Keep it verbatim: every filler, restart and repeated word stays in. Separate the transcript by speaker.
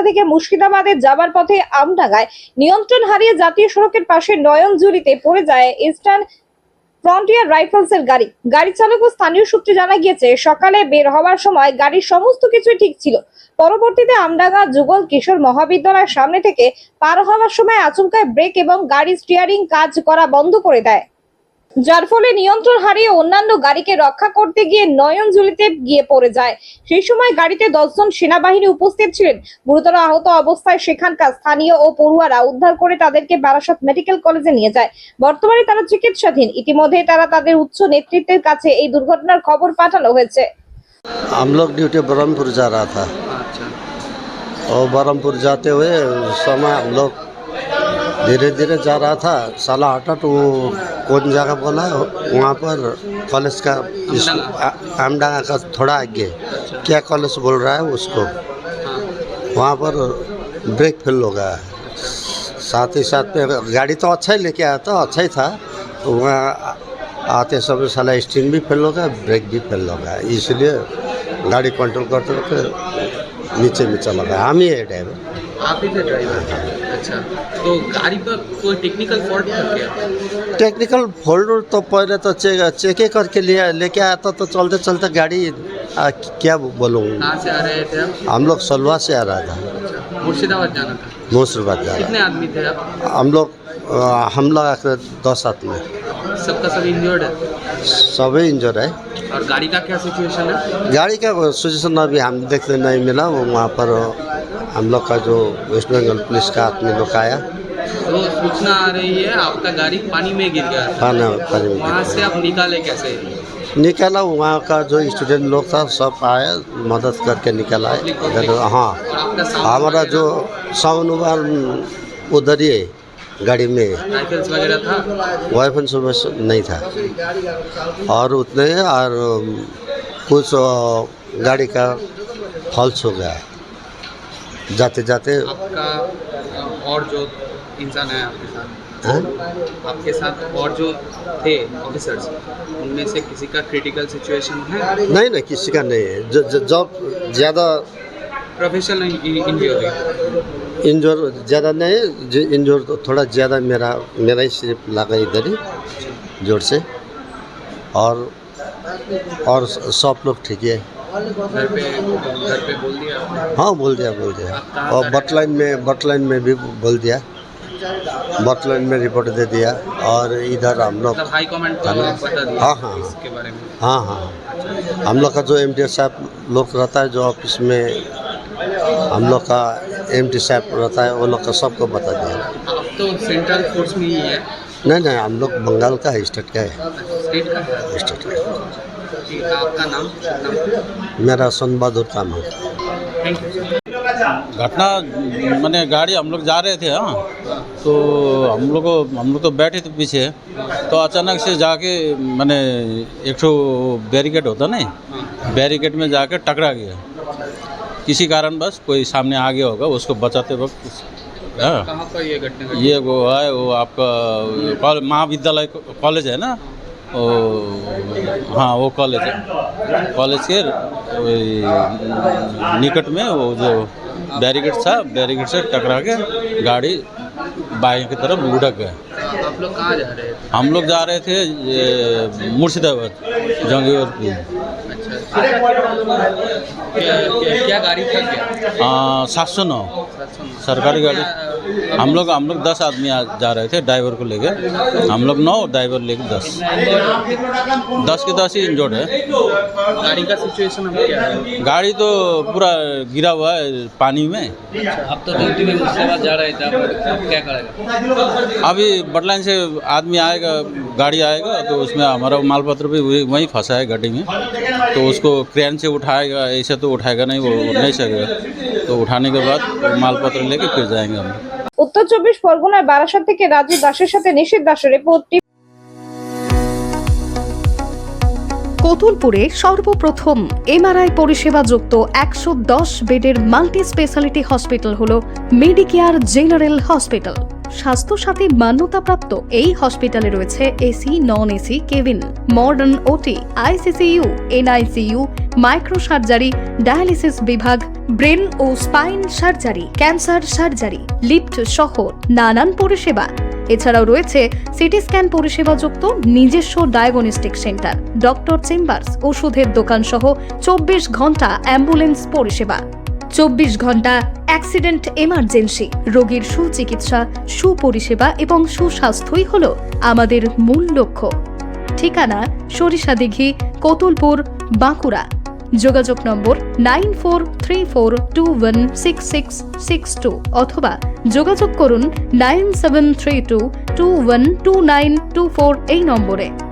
Speaker 1: থেকে মুর্শিদাবাদে যাবার পথে আমডাঙ্গায় নিয়ন্ত্রণ হারিয়ে জাতীয় সড়কের পাশে নয়নজুলিতে পড়ে যায় ইস্টার্ন ফ্রন্টিয়ার রাইফেলসের গাড়ি। গাড়ি চালক ও স্থানীয় সূত্রে জানা গিয়েছে, সকালে বের হওয়ার সময় গাড়ির সমস্ত কিছুই ঠিক ছিল। পরবর্তীতে আমডাঙ্গা যুগল কিশোর মহাবিদ্যালয়ের সামনে থেকে পার হওয়ার সময় আচমকায় ব্রেক এবং গাড়ির স্টিয়ারিং কাজ করা বন্ধ করে দেয়, যার ফলে নিয়ন্ত্রণ হারিয়ে অন্যান্য গাড়িকে রক্ষা করতে গিয়ে নয়নজুলিতে গিয়ে পড়ে যায়। সেই সময় গাড়িতে দশজন সেনাবাহিনী উপস্থিত ছিলেন। গুরুতর আহত অবস্থায় সেখানকার স্থানীয় ও পড়ুয়ারা উদ্ধার করে তাদেরকে বারাসত মেডিকেল কলেজে নিয়ে যায়। বর্তমানে তারা চিকিৎসাধীন। ইতিমধ্যে তারা তাদের উচ্চ নেতৃত্বের কাছে এই দুর্ঘটনার খবর পাঠানো হয়েছে।
Speaker 2: हम लोग ड्यूटी बरहमपुर जा रहा था।
Speaker 3: अच्छा।
Speaker 2: और बरहमपुर जाते हुए समय हम लोग धीरे धीरे जा रहा था। साला हटा तो वो कौन जगह बोला वहाँ पर कॉलेज का आमडांगा का थोड़ा आगे क्या कॉलेज बोल रहा है उसको, वहाँ पर ब्रेक फेल हो गया। साथ ही साथ में गाड़ी तो अच्छा ही लेके आया था, अच्छा ही था। तो वहाँ आते समय साला स्टीयरिंग भी फेल हो गया, ब्रेक भी फेल हो गया, इसलिए गाड़ी कंट्रोल करते करते नीचे में चला गया। हम ही है ड्राइवर।
Speaker 3: आप ही थे ड्राइवर? अच्छा। तो गाड़ी पर कोई टेक्निकल फॉल्ट था क्या?
Speaker 2: टेक्निकल फॉल्ट तो पहले तो चेक चेक करके लिया लेके आया था। तो चलते चलते गाड़ी आ, क्या बोलूँ।
Speaker 3: कहाँ से आ रहे थे आप?
Speaker 2: हम लोग सलवा से आ रहा था।
Speaker 3: मुर्शिदाबाद जाना था?
Speaker 2: मुर्शिदाबाद जा
Speaker 3: कितने
Speaker 2: रहा
Speaker 3: आदमी थे आप?
Speaker 2: हम लोग आ, हम लोग दस आदमी।
Speaker 3: सबका सब इंजर्ड है?
Speaker 2: सभी इंजर्ड है।
Speaker 3: और गाड़ी का क्या सिचुएशन है?
Speaker 2: गाड़ी का सिचुएशन अभी हम देखते नहीं मिला। वो वहाँ पर हम लोग का जो वेस्ट बंगाल पुलिस का आदमी लोग आया
Speaker 3: तो सूचना आ रही है आपका गाड़ी पानी में गिर गया है।
Speaker 2: खाना पानी में
Speaker 3: वहाँ से आप निकाले कैसे?
Speaker 2: निकाला। वहाँ का जो स्टूडेंट लोग था सब आया, मदद करके निकाला है। हाँ, हमारा जो साउंड उधर ही है गाड़ी में।
Speaker 3: राइफल्स वगैरह था?
Speaker 2: वाइफन सुबह नहीं था और उतने और कुछ गाड़ी का फॉल्स हो गया जाते जाते।
Speaker 3: आपका और जो इंसान है आपके साथ,
Speaker 2: हाँ?
Speaker 3: आपके साथ और जो थे ऑफिसर्स, उनमें से किसी का क्रिटिकल सिचुएशन है?
Speaker 2: नहीं नहीं, किसी का नहीं है। ज- ज- जब ज़्यादा
Speaker 3: प्रोफेशनल इंजरी?
Speaker 2: इंजोर ज़्यादा नहीं है। जो इंजोर तो थोड़ा ज़्यादा मेरा मेरा ही सिर्फ लगा इधर ही जोर से। और और सब लोग ठीक है।
Speaker 3: घर पे घर पे बोल दिया आपने?
Speaker 2: हाँ, बोल दिया बोल दिया। और बटलाइन में बटलाइन में भी बोल दिया, बटलाइन में रिपोर्ट दे दिया। और इधर हम लोग
Speaker 3: मतलब हाई कमांड को आप बता दिया
Speaker 2: हाँ हाँ
Speaker 3: इसके बारे में?
Speaker 2: हाँ हाँ हम लोग का जो एम डी साहब लोग रहता है, जो ऑफिस में हम लोग का एम डी साहब रहता है, वो लोग का सबको बता दिया।
Speaker 3: आप तो सेंट्रल फोर्स में ही है?
Speaker 2: नहीं नहीं, हम लोग बंगाल का है, स्टेट का है।
Speaker 3: स्टेट का है?
Speaker 2: स्टेट का।
Speaker 3: ठीक है, आपका नाम? नाम?
Speaker 2: मेरा सोन बहादुर काम है।
Speaker 3: Thank you.
Speaker 4: घटना मैंने गाड़ी हम लोग जा रहे थे। हाँ, तो हम लोग को हम लोग तो बैठे थे पीछे, तो अचानक से जाके मैंने एक ठो बैरिकेड होता नहीं, बैरिकेड में जाके टकरा गया किसी कारण। बस कोई सामने आ गया होगा, उसको बचाते वक्त। हाँ,
Speaker 3: कहाँ पर ये घटना घटी?
Speaker 4: ये वो है वो आपका कॉल- महाविद्यालय कॉलेज है ना, वो हाँ वो कॉलेज है। कॉलेज के वही निकट में वो जो बैरिकेड था, बैरिकेड से टकरा के गाड़ी बाएं की तरफ लुढ़क गया।
Speaker 3: आप लोग कहाँ जा रहे थे?
Speaker 4: हम लोग जा रहे थे ये मुर्शिदाबाद जंगीवरपुर।
Speaker 3: अच्छा। क्या, क्या, क्या गाड़ी था क्या?
Speaker 4: सात सौ नौ
Speaker 3: सात सौ नौ।
Speaker 4: सरकारी गाड़ी। हम लोग हम लोग दस आदमी आ- जा रहे थे ड्राइवर को लेके। हम लोग नौ, ड्राइवर लेके दस दस के दस ही इंजर्ड है।
Speaker 3: गाड़ी का सिचुएशन अब क्या है?
Speaker 4: गाड़ी तो पूरा गिरा हुआ है पानी में।
Speaker 3: आप तो ड्यूटी में मुर्शिदाबाद जा रहे थे, आप आप क्या करेगा?
Speaker 4: अभी बटलाइन से आदमी आएगा, गाड़ी आएगा, तो उसमें हमारा माल पत्र भी वही वहीं फंसा है गाड़ी में। तो उसको क्रेन से उठाएगा, ऐसे तो उठाएगा नहीं, वो उठ नहीं सकेगा। तो उठाने के बाद माल पत्र लेके फिर जाएंगे हम।
Speaker 1: উত্তর চব্বিশ পরগনার বারাসত থেকে রাজু দাসের সাথে নিশীথ দাসের রিপোর্ট।
Speaker 5: কতুলপুরে সর্বপ্রথম এমআরআই পরিষেবা যুক্ত একশো দশ বেডের মাল্টি স্পেশালিটি হসপিটাল হল মেডিকেয়ার জেনারেল হসপিটাল। স্বাস্থ্যসাথী মান্যতাপ্রাপ্ত এই হসপিটালে রয়েছে AC, non AC cabin, modern OT, ICCU, NICU, micro surgery, dialysis বিভাগ, ব্রেন ও spine surgery, cancer surgery, lift সহ নানান পরিষেবা। এছাড়াও রয়েছে সিটি স্ক্যান পরিষেবাযুক্ত নিজস্ব ডায়াগনস্টিক সেন্টার, ডক্টর চেম্বার্স, ওষুধের দোকান সহ চব্বিশ ঘন্টা অ্যাম্বুলেন্স পরিষেবা। চব্বিশ ঘন্টা অ্যাক্সিডেন্ট এমার্জেন্সি, রোগীর সুচিকিৎসা, সুপরিষেবা এবং সুস্বাস্থ্যই হল আমাদের মূল লক্ষ্য। ঠিকানা সরিষাদিঘি, কতুলপুর, বাঁকুড়া। যোগাযোগ number nine four three four two one six six six two অথবা যোগাযোগ করুন nine seven three two two one two nine two four এই নম্বরে।